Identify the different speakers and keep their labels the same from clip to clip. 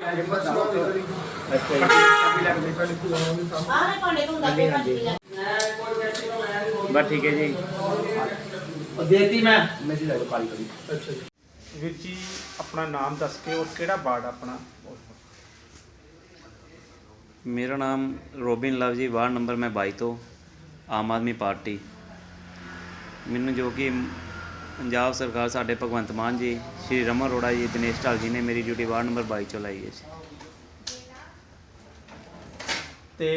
Speaker 1: बस ठीक है जी।
Speaker 2: देती मैं
Speaker 3: अच्छा जी। वीर जी अपना नाम दस के और केड़ा वार्ड अपना?
Speaker 1: मेरा नाम Robin Love ji, ward number मैं 22 तो आम आदमी पार्टी। मैनू जो कि पंजाब सरकार साढ़े भगवंत मान जी, श्री रमन अरोड़ा जी, दिनेश ढाल जी ने मेरी ड्यूटी वार्ड नंबर 22 चो लाई है जी।
Speaker 3: ਤੇ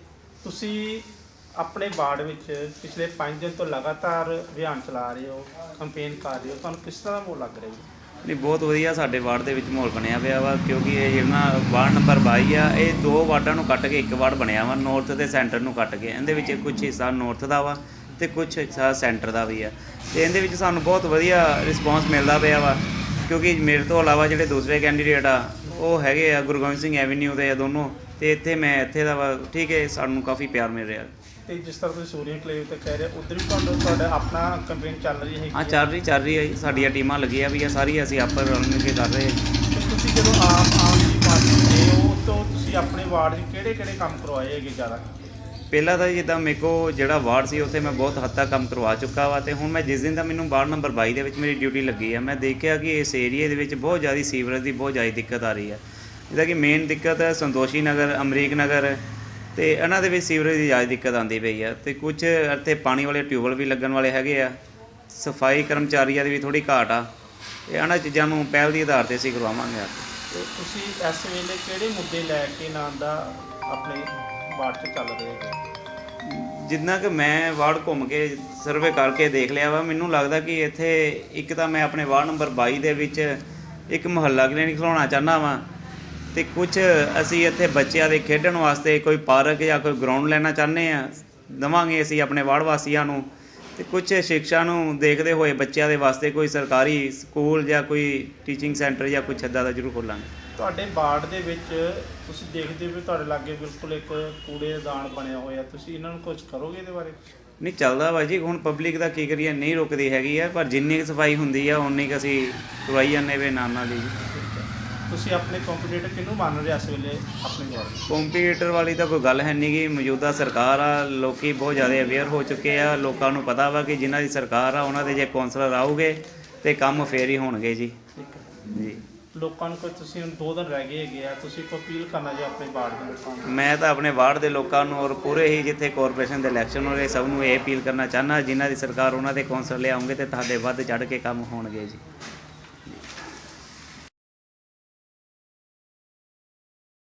Speaker 3: ਤੁਸੀਂ ਆਪਣੇ ਵਾਰਡ ਵਿੱਚ ਪਿਛਲੇ 5 ਦਿਨ ਤੋਂ ਲਗਾਤਾਰ ਅਭਿਆਨ ਚਲਾ ਰਹੇ ਹੋ, ਕੰਪੇਨ ਕਰ ਰਹੇ ਹੋ, ਤੁਹਾਨੂੰ ਕਿਸ ਤਰ੍ਹਾਂ ਦਾ ਮਾਹੌਲ ਲੱਗ ਰਿਹਾ ਜੀ?
Speaker 1: ਨਹੀਂ, ਬਹੁਤ ਵਧੀਆ ਸਾਡੇ ਵਾਰਡ ਦੇ ਵਿੱਚ ਮਾਹੌਲ ਬਣਿਆ ਪਿਆ ਵਾ, ਕਿਉਂਕਿ ਇਹ ਜਿਹੜਾ ਵਾਰਡ ਨੰਬਰ 22 ਆ, ਇਹ ਦੋ ਵਾਰਡਾਂ ਨੂੰ ਕੱਟ ਕੇ ਇੱਕ ਵਾਰਡ ਬਣਿਆ ਵਾ, ਨੌਰਥ ਅਤੇ ਸੈਂਟਰ ਨੂੰ ਕੱਟ ਕੇ। ਇਹਦੇ ਵਿੱਚ ਕੁਛ ਹਿੱਸਾ ਨੌਰਥ ਦਾ ਵਾ ਅਤੇ ਕੁਛ ਹਿੱਸਾ ਸੈਂਟਰ ਦਾ ਵੀ ਆ, ਅਤੇ ਇਹਦੇ ਵਿੱਚ ਸਾਨੂੰ ਬਹੁਤ ਵਧੀਆ ਰਿਸਪੌਂਸ ਮਿਲਦਾ ਪਿਆ ਵਾ, ਕਿਉਂਕਿ ਮੇਰੇ ਤੋਂ ਇਲਾਵਾ ਜਿਹੜੇ ਦੂਸਰੇ ਕੈਂਡੀਡੇਟ ਆ ਉਹ ਹੈਗੇ ਆ ਗੁਰੂ ਗੋਬਿੰਦ ਸਿੰਘ ਐਵੀਨਿਊ ਦੇ ਆ ਦੋਨੋਂ, ਅਤੇ ਇੱਥੇ ਮੈਂ ਇੱਥੇ ਦਾ ਵਾ। ਠੀਕ ਹੈ, ਸਾਨੂੰ ਕਾਫੀ ਪਿਆਰ ਮਿਲ ਰਿਹਾ।
Speaker 3: ਅਤੇ ਜਿਸ ਤਰ੍ਹਾਂ ਤੁਸੀਂ ਸੂਰਿਆ ਕਲੇਵ 'ਤੇ ਕਹਿ ਰਹੇ ਉੱਧਰ ਵੀ ਤੁਹਾਡਾ ਆਪਣਾ ਕੰਪੇਨ ਚੱਲ ਰਹੀ ਹੈ?
Speaker 1: ਹਾਂ, ਚੱਲ ਰਹੀ ਹੈ। ਸਾਡੀਆਂ ਟੀਮਾਂ ਲੱਗੀਆਂ ਵੀ ਆ ਸਾਰੀਆਂ, ਅਸੀਂ ਆਪਸ ਰਲ ਮਿਲ ਕੇ ਕਰ ਰਹੇ ਹਾਂ।
Speaker 3: ਅਤੇ ਤੁਸੀਂ ਜਦੋਂ ਆਮ ਆਦਮੀ ਪਾਰਟੀ ਦੇ ਹੋ ਤਾਂ ਤੁਸੀਂ ਆਪਣੇ ਵਾਰਡ 'ਚ ਕਿਹੜੇ ਕੰਮ ਕਰਵਾਏ ਹੈਗੇ ਜ਼ਿਆਦਾ?
Speaker 1: ਪਹਿਲਾਂ ਤਾਂ ਜਿੱਦਾਂ ਮੇਰੇ ਕੋਲ ਜਿਹੜਾ ਵਾਰਡ ਸੀ ਉੱਥੇ ਮੈਂ ਬਹੁਤ ਹੱਦ ਤੱਕ ਕੰਮ ਕਰਵਾ ਚੁੱਕਾ ਵਾ, ਅਤੇ ਹੁਣ ਮੈਂ ਜਿਸ ਦਿਨ ਦਾ ਮੈਨੂੰ ਵਾਰਡ ਨੰਬਰ 22 ਦੇ ਵਿੱਚ ਮੇਰੀ ਡਿਊਟੀ ਲੱਗੀ ਆ, ਮੈਂ ਦੇਖਿਆ ਕਿ ਇਸ ਏਰੀਏ ਦੇ ਵਿੱਚ ਬਹੁਤ ਜ਼ਿਆਦਾ ਸੀਵਰੇਜ ਦੀ ਬਹੁਤ ਜ਼ਿਆਦਾ ਦਿੱਕਤ ਆ ਰਹੀ ਹੈ। ਜਿੱਦਾਂ ਕਿ ਮੇਨ ਦਿੱਕਤ ਹੈ ਸੰਤੋਸ਼ੀ ਨਗਰ, ਅਮਰੀਕ ਨਗਰ, ਅਤੇ ਇਹਨਾਂ ਦੇ ਵਿੱਚ ਸੀਵਰੇਜ ਦੀ ਜ਼ਿਆਦਾ ਦਿੱਕਤ ਆਉਂਦੀ ਪਈ ਆ, ਅਤੇ ਕੁਛ ਇੱਥੇ ਪਾਣੀ ਵਾਲੇ ਟਿਊਬਵੈੱਲ ਵੀ ਲੱਗਣ ਵਾਲੇ ਹੈਗੇ ਆ। ਸਫਾਈ ਕਰਮਚਾਰੀਆਂ ਦੀ ਵੀ ਥੋੜ੍ਹੀ ਘਾਟ ਆ, ਅਤੇ ਇਹਨਾਂ ਚੀਜ਼ਾਂ ਨੂੰ ਪਹਿਲ ਦੀ ਆਧਾਰ 'ਤੇ ਅਸੀਂ ਕਰਵਾਵਾਂਗੇ।
Speaker 3: ਅਤੇ ਤੁਸੀਂ ਇਸ ਵੇਲੇ ਕਿਹੜੇ ਮੁੱਦੇ ਲੈ ਕੇ ਨਾਮ ਦਾ ਆਪਣੇ ਵਾਰਡ 'ਚ ਚੱਲ ਰਹੇ ਹੋ?
Speaker 1: ਜਿੰਨਾ ਕਿ ਮੈਂ ਵਾਰਡ ਘੁੰਮ ਕੇ ਸਰਵੇ ਕਰਕੇ ਦੇਖ ਲਿਆ ਵਾ, ਮੈਨੂੰ ਲੱਗਦਾ ਕਿ ਇੱਥੇ ਇੱਕ ਤਾਂ ਮੈਂ ਆਪਣੇ ਵਾਰਡ ਨੰਬਰ 22 ਦੇ ਵਿੱਚ ਇੱਕ ਮੁਹੱਲਾ ਕਲੀਨਿਕ ਖੁਲਾਉਣਾ ਚਾਹੁੰਦਾ ਵਾਂ, ਅਤੇ ਕੁਛ ਅਸੀਂ ਇੱਥੇ ਬੱਚਿਆਂ ਦੇ ਖੇਡਣ ਵਾਸਤੇ ਕੋਈ ਪਾਰਕ ਜਾਂ ਕੋਈ ਗਰਾਊਂਡ ਲੈਣਾ ਚਾਹੁੰਦੇ ਹਾਂ, ਦੇਵਾਂਗੇ ਅਸੀਂ ਆਪਣੇ ਵਾਰਡ ਵਾਸੀਆਂ ਨੂੰ। ਅਤੇ ਕੁਛ ਸਿੱਖਿਆ ਨੂੰ ਦੇਖਦੇ ਹੋਏ ਬੱਚਿਆਂ ਦੇ ਵਾਸਤੇ ਕੋਈ ਸਰਕਾਰੀ ਸਕੂਲ ਜਾਂ ਕੋਈ ਟੀਚਿੰਗ ਸੈਂਟਰ ਜਾਂ ਕੁਛ ਇੱਦਾਂ ਦਾ ਜ਼ਰੂਰ ਖੋਲ੍ਹਾਂਗੇ।
Speaker 3: ਤੁਹਾਡੇ ਵਾਰਡ ਦੇ ਵਿੱਚ ਤੁਸੀਂ ਦੇਖਦੇ ਹੋ ਤੁਹਾਡੇ ਲਾਗੇ ਬਿਲਕੁਲ ਇੱਕ ਕੂੜੇਦਾਨ ਬਣਿਆ ਹੋਇਆ, ਤੁਸੀਂ ਇਹਨਾਂ ਨੂੰ ਕੁਝ ਕਰੋਗੇ ਇਹਦੇ ਬਾਰੇ?
Speaker 1: ਨਹੀਂ, ਚੱਲਦਾ ਵਾ ਜੀ। ਹੁਣ ਪਬਲਿਕ ਦਾ ਕੀ ਕਰੀਏ, ਨਹੀਂ ਰੁਕਦੀ ਹੈਗੀ ਆ, ਪਰ ਜਿੰਨੀ ਕੁ ਸਫਾਈ ਹੁੰਦੀ ਆ ਉਨੀ ਕੁ ਅਸੀਂ ਕਰਵਾਈ ਜਾਂਦੇ ਵੇ ਨਾਲ ਜੀ।
Speaker 3: ਤੁਸੀਂ ਆਪਣੇ ਕੰਪੀਟੀਟਰ ਕਿਹਨੂੰ ਮੰਨ ਰਹੇ ਇਸ ਵੇਲੇ ਆਪਣੇ ਵਾਰਡ?
Speaker 1: ਕੰਪੀਟੀਟਰ ਵਾਲੀ ਤਾਂ ਕੋਈ ਗੱਲ ਹੈ ਨਹੀਂ ਗੀ। ਮੌਜੂਦਾ ਸਰਕਾਰ ਆ, ਲੋਕ ਬਹੁਤ ਜ਼ਿਆਦਾ ਅਵੇਅਰ ਹੋ ਚੁੱਕੇ ਆ, ਲੋਕਾਂ ਨੂੰ ਪਤਾ ਵਾ ਕਿ ਜਿਨ੍ਹਾਂ ਦੀ ਸਰਕਾਰ ਆ ਉਹਨਾਂ ਦੇ ਜੇ ਕੌਂਸਲਰ ਆਊਗੇ ਤਾਂ ਕੰਮ ਫੇਰ ਹੀ ਹੋਣਗੇ ਜੀ।
Speaker 3: ਠੀਕ ਹੈ
Speaker 1: ਜੀ।
Speaker 3: ਲੋਕਾਂ ਨੂੰ ਕੋਈ ਤੁਸੀਂ ਹੁਣ 2 ਦਿਨ ਰਹਿ ਗਏ ਹੈਗੇ ਆ, ਤੁਸੀਂ ਕੋਈ ਅਪੀਲ ਕਰਨਾ ਜੀ ਆਪਣੇ ਵਾਰਡ ਦੇ ਲੋਕਾਂ ਨੂੰ?
Speaker 1: ਮੈਂ ਤਾਂ ਆਪਣੇ ਵਾਰਡ ਦੇ ਲੋਕਾਂ ਨੂੰ ਔਰ ਪੂਰੇ ਹੀ ਜਿੱਥੇ ਕਾਰਪੋਰੇਸ਼ਨ ਦੇ ਇਲੈਕਸ਼ਨ ਹੋ ਰਹੇ ਸਭ ਨੂੰ ਇਹ ਅਪੀਲ ਕਰਨਾ ਚਾਹੁੰਦਾ, ਜਿਨ੍ਹਾਂ ਦੀ ਸਰਕਾਰ ਉਹਨਾਂ ਦੇ ਕੌਂਸਲਰ ਲਿਆਉਂਗੇ ਅਤੇ ਤੁਹਾਡੇ ਵੱਧ ਚੜ੍ਹ ਕੇ ਕੰਮ ਹੋਣਗੇ ਜੀ।